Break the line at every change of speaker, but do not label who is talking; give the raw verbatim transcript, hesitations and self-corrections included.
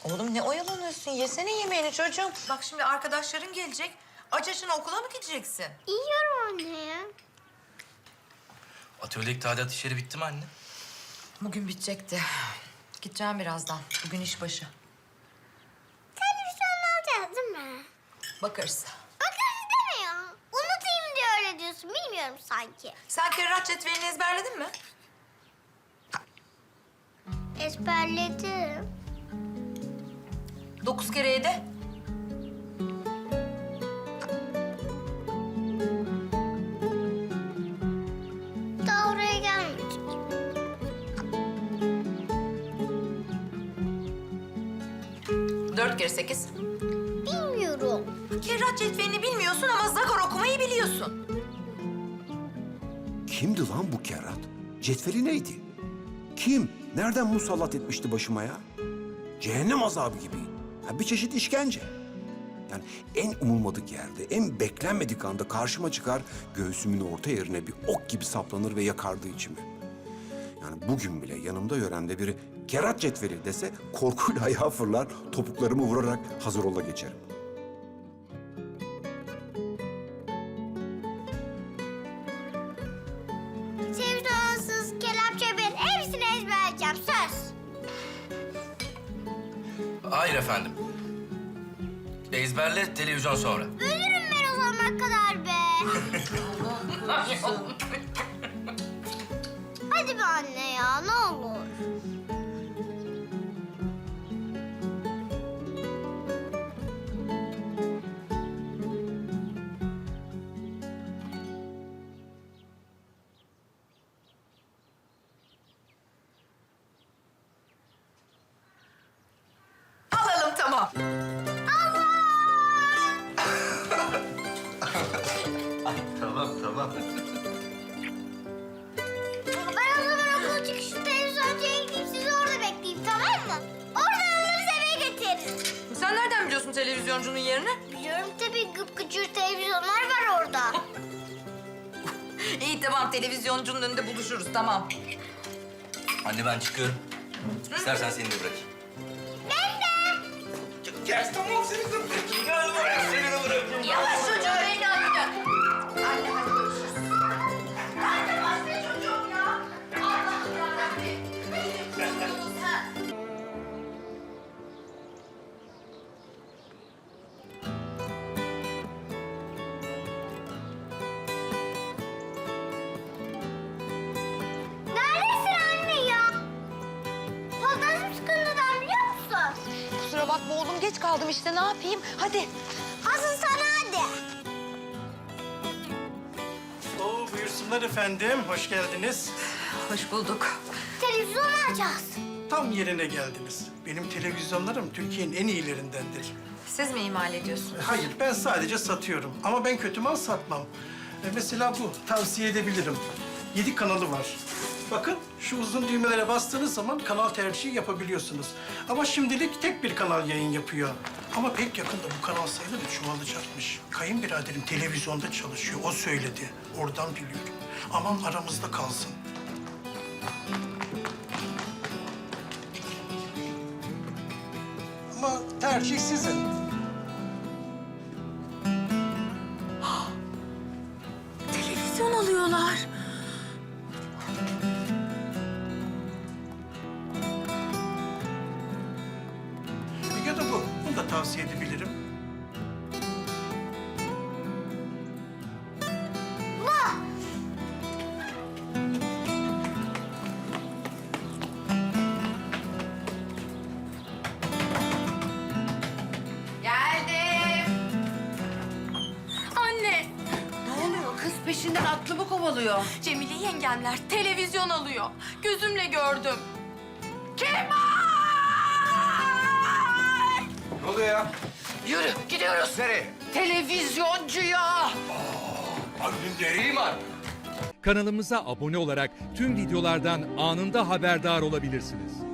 Oğlum ne oyalanıyorsun? Yesene yemeğini çocuğum. Bak şimdi arkadaşların gelecek. Aç açına okula mı gideceksin?
Yiyorum anne ya.
Atölyedeki tadilat işleri bitti mi anne?
Bugün bitecekti. Gideceğim birazdan. Bugün iş başı.
Televizyon alacağız değil mi?
Bakarız.
Bakarız deme ya. Unutayım diye öyle diyorsun. Bilmiyorum sanki.
Sen kerrat cetvelini ezberledin mi?
Ezberledim.
Dokuz kere yedi.
Daha oraya gelmedik.
Dört kere sekiz.
Bilmiyorum.
Kerrat cetvelini bilmiyorsun ama zakor okumayı biliyorsun.
Kimdi lan bu kerrat? Cetveli neydi? Kim? Nereden musallat etmişti başıma ya? Cehennem azabı gibi. Ha, bir çeşit işkence. Yani en umulmadık yerde, en beklenmedik anda karşıma çıkar, göğsümün orta yerine bir ok gibi saplanır ve yakardı içimi. Yani bugün bile yanımda yöremde biri kerrat cetveli dese korkuyla ayağa fırlar, topuklarımı vurarak hazır ola geçerim.
Televizyonsuz, kelepçe bir hepsini ezberleyeceğim. Söz.
Hayır efendim. Ezberle, televizyon sonra.
Ölürüm ben o zamana kadar be. Hadi be anne ya ne olur.
Alalım tamam.
Tamam, tamam.
Ben o zaman okul çıkışı televizyoncuya gideyim sizi orada bekleyeyim tamam mı? Oradan alırız eve getiririz.
Sen nereden biliyorsun televizyoncunun yerini?
Biliyorum tabii gıpgıcır televizyonlar var orada.
İyi tamam televizoncunun önünde buluşuruz tamam.
Anne ben çıkıyorum. İstersen seni de bırakayım.
Ben de.
Gel tamam seni de bırakayım. Gel buraya seni de bırakayım.
Yavaş çocuğum beni alacak. Anne hadi görüşürüz. Anne başka çocuğum ya. Allah'ım yarabbim. Benim kuzunuz ha.
Neredesin anne ya? Fantasım sıkıntıdan biliyor musun?
Kusura bakma oğlum geç kaldım işte ne yapayım? Hadi.
Asıl sana hadi.
Oo, buyursunlar efendim. Hoş geldiniz.
Hoş bulduk.
Televizyon alacağız.
Tam yerine geldiniz. Benim televizyonlarım Türkiye'nin en iyilerindendir.
Siz mi imal ediyorsunuz?
Hayır, ben sadece satıyorum. Ama ben kötü mal satmam. E, mesela bu, tavsiye edebilirim. Yedi kanalı var. Bakın, şu uzun düğmelere bastığınız zaman kanal tercihi yapabiliyorsunuz. Ama şimdilik tek bir kanal yayın yapıyor. Ama pek yakında bu kanal sayıları çoğalacakmış. Kayınbiraderim televizyonda çalışıyor, o söyledi. Oradan biliyorum. Aman aramızda kalsın. Ama tercih sizin.
Televizyon alıyorlar.
Ya da bu. Bunu da tavsiye edebilirim.
Geldim.
Anne,
Ne oluyor? Kız peşinden aklımı kovalıyor.
Cemile yengemler televizyon alıyor. Gözümle gördüm. Kemal!
Ne oluyor ya?
Yürü gidiyoruz.
Nereye?
Televizyoncuya.
Abi nereye var?
Kanalımıza abone olarak tüm videolardan anında haberdar olabilirsiniz.